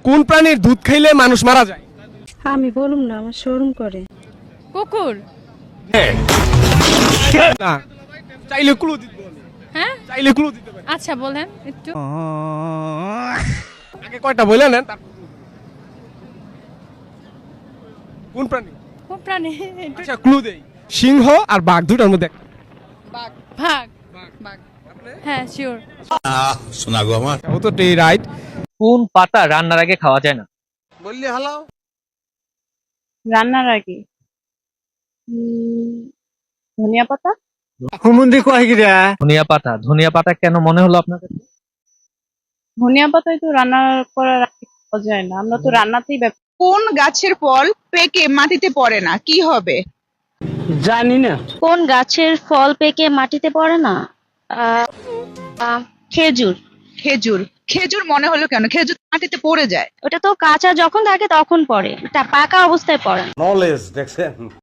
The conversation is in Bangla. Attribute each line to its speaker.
Speaker 1: কোন প্রাণীর দুধ খাইলে মানুষ মারা যায়?
Speaker 2: আমি বলুম না, আমার শোরুম করে।
Speaker 3: কুকুর।
Speaker 1: না, চাইলে ক্লু দিতে পারি।
Speaker 3: হ্যাঁ,
Speaker 1: চাইলে ক্লু দিতে পারি।
Speaker 3: আচ্ছা বলেন একটু।
Speaker 1: আগে কয়টা বলে নেন তারপর। কোন প্রাণী?
Speaker 3: কোন প্রাণী?
Speaker 1: আচ্ছা ক্লু দেই, সিংহ আর বাঘ দুটার মধ্যে একটা।
Speaker 3: বাঘ। বাঘ। হ্যাঁ, শিওর।
Speaker 4: শোনা গো আমার
Speaker 1: উত্তরটি রাইট।
Speaker 5: কোন পাতা রান্নার আগে খাওয়া যায় না?
Speaker 4: বললি হালাও
Speaker 2: রান্নার আগে ধনিয়া পাতা।
Speaker 5: ধনিয়া পাতা কেন মনে হলো আপনাদের?
Speaker 2: ধনিয়া পাতায় তো রান্না করার আগে খাওয়া যায় না, আমরা তো রান্নাতেই
Speaker 6: কোন গাছের ফল পেকে মাটিতে পড়ে না, কি হবে?
Speaker 7: কোন গাছের ফল পেকে মাটিতে পড়ে না? খেজুর।
Speaker 6: খেজুর। খেজুর মনে হলো কেন? খেজুর মাটিতে পড়ে যায়।
Speaker 7: ওটা তো কাঁচা যখন থাকে তখন পড়ে, এটা পাকা অবস্থায় পড়ে না।
Speaker 4: নলেজ দেখছেন